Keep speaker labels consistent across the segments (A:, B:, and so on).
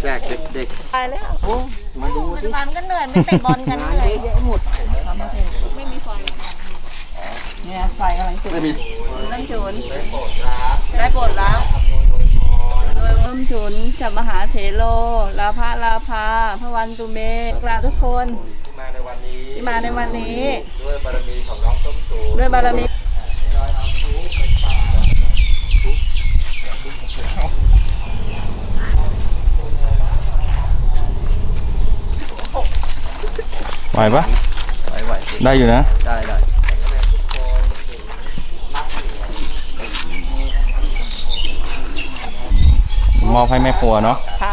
A: แรกๆเด็ก
B: ตายแล้ว
A: ๆโอ้มาดูสิ
C: มันก็เหนื่อยไม่เตะบอลกันเหนื่อย
A: เยอะหมด
B: ไม่มีไฟเนี่ยไฟกำลังจุด
A: ไม่มี
B: น้ำฉุนได้โปรดแล้วโดยน้ำฉุนกับมหาเถโลลาภะลาภาพระวันตุเมกราบทุกคนที่มาในวันนี้ด้วยบารมีของน้องส้มฉุนด้วยบารมี
D: ไหวปะ
A: ไหว
D: ได้อยู่นะ
A: ได้
D: มอบให้แม่ครัวเนาะ
B: ค่ะ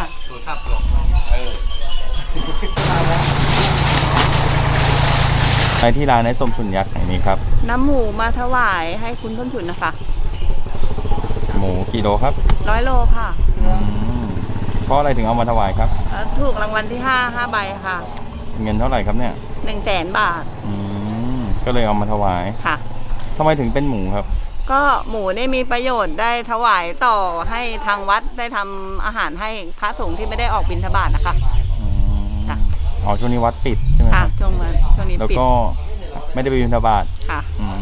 D: ไปที่ร้านไอ้ส้มฉุนยักษ์แห่งนี้ครับ
B: น้ำหมูมาถวายให้คุณส้มฉุนนะคะ
D: หมูกี่โลครับ
B: 100 โลค่ะ
D: เพราะอะไรถึงเอามาถวายครับ
B: ถูกรางวัลที่5 ใบค่ะ
D: เงินเท่าไหร่ครับเนี่ย
B: 100,000 บาท
D: ก็เลยเอามาถวาย
B: ค่ะ
D: ทำไมถึงเป็นหมูครับ
B: ก็หมูนี่มีประโยชน์ได้ถวายต่อให้ทางวัดได้ทำอาหารให้พระสงฆ์ที่ไม่ได้ออกบิณฑบาตนะคะ ค่ะ
D: อ๋อช่วงนี้วัดปิดใช่ไหมค
B: ค่ะ
D: รับ
B: ช่วงนี้
D: แล้ว
B: ปิด
D: ก็ไม่ได้ไปบิณฑบาต
B: ค่ะ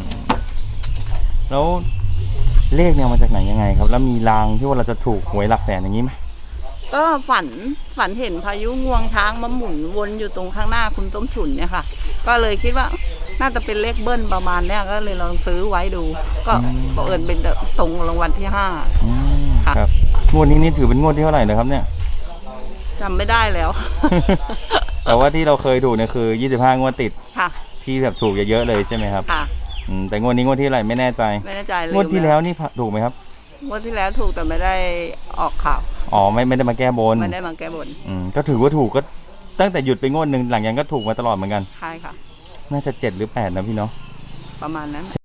D: แล้วเลขเนี่ยมาจากไหนยังไงครับ แล้วมีรางที่ว่าเราจะถูกหวยหลักแสนอย่างนี้ไหม
B: ก็ฝันเห็นพายุงวงช้างมาหมุนวนอยู่ตรงข้างหน้าคุณต้มฉุนเนี่ยค่ะ ก็เลยคิดว่าน่าจะเป็นเลขเบิ้ลประมาณเนี้ยก็เลยลองซื้อไว้ดู ก็บังเอิญเป็นตรงรางวัลที่5 ค่ะ
D: ครับงวดนี้นี่ถือเป็นงวดที่เท่าไหร่เลยครับเนี่ย
B: จำไม่ได้แล้ว
D: แต่ว่าที่เราเคยถูกเนี่ยคือ25งวดติด
B: ค่ะ
D: ที่แบบถูกเยอะๆเลยใช่ไหมครับ
B: ค่ะ
D: แต่งวดนี้งวดที่เท่าไหร่ไม่แน่ใจ
B: ไม่แน่ใจเลย
D: งวดที่แล้วนี่ถูกไหมครับ
B: งวดที่แล้วถูกแต่ไม่ได้ออกข่าว
D: อ๋อไม่ได้มาแก้บน
B: ไม่ได้มาแก้บน
D: ก็ถือว่าถูกก็ตั้งแต่หยุดไปงวดหนึ่งหลังจากนั้นก็ถูกมาตลอดเหมือนกัน
B: ใช่ค่ะ
D: น่าจะ7 หรือ 8นะพี่เนาะ
B: ประมาณนั้น